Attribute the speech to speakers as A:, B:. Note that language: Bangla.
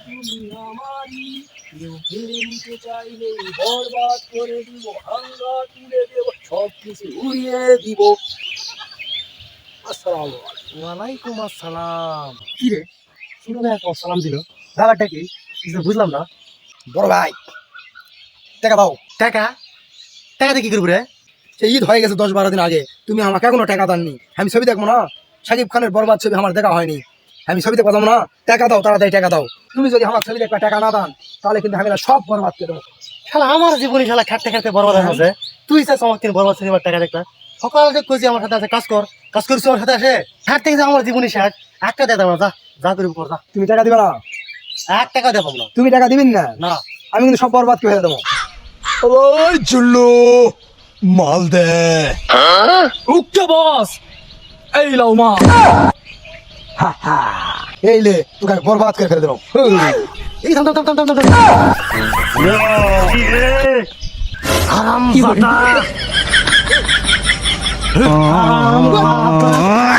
A: তুমি আমারই, কেউ কেড়ে নিতে চাইলে বরবাদ করে দিব, ভাঙ্গা তুলে দেব, সব কিছু উড়িয়ে দিব। আসসালামু আলাইকুম।
B: ওয়ালাইকুম আসসালাম।
A: কি রে,
B: শুরু ভাই একটা সালাম দিল, ব্যাপারটা কি কিছু বুঝলাম না।
A: বড় ভাই টাকা দাও।
B: টাকা টাকা দিয়ে কি করবো রে?
A: সে ঈদ হয়ে গেছে 10-12 দিন আগে, তুমি আমাকে এখনো টাকা দাননি। আমি ছবি দেখবো না? শাকিব খানের বরবাদ ছবি আমার দেখা হয়নি, আমি ছবি দেখবো না? টাকা দাও, তাড়াতাড়ি টাকা দাও। তুমি যদি আমার ছবি দেখবা টাকা না দান, তাহলে কিন্তু আমি না সব বরবাদ করে দেবো।
B: শালা আমার জীবনে শালা খাটতে খাটতে বরবাদ হয়ে গেছে। তুই চাস আমার তিন বরবাদ সিনেমার টাকা দেখলা? সকাল থেকে কইছি আমার সাথে আছে কাজ কর, কাজ করছি আমার সাথে আসে খাটতে গেছে আমার জীবনই শেষ। একটা দে দাও না, যা যা করি কর যা।
A: তুমি টাকা দিবে না?
B: 1 টাকা দেবো না।
A: তুমি টাকা দিবেন না?
B: না
A: আমি কিন্তু সব বরবাদ করে দেবো।
C: ওই চুল্লু মাল দে।
A: উঠছো বস, এই লাও মা। এই লে, তোকে আমি বরবাদ করে ফেলে দেবো।
B: এই থাম থাম থাম থাম থাম থাম। হারাম
A: কি বলি?
B: জাদা। হারাম জাদা।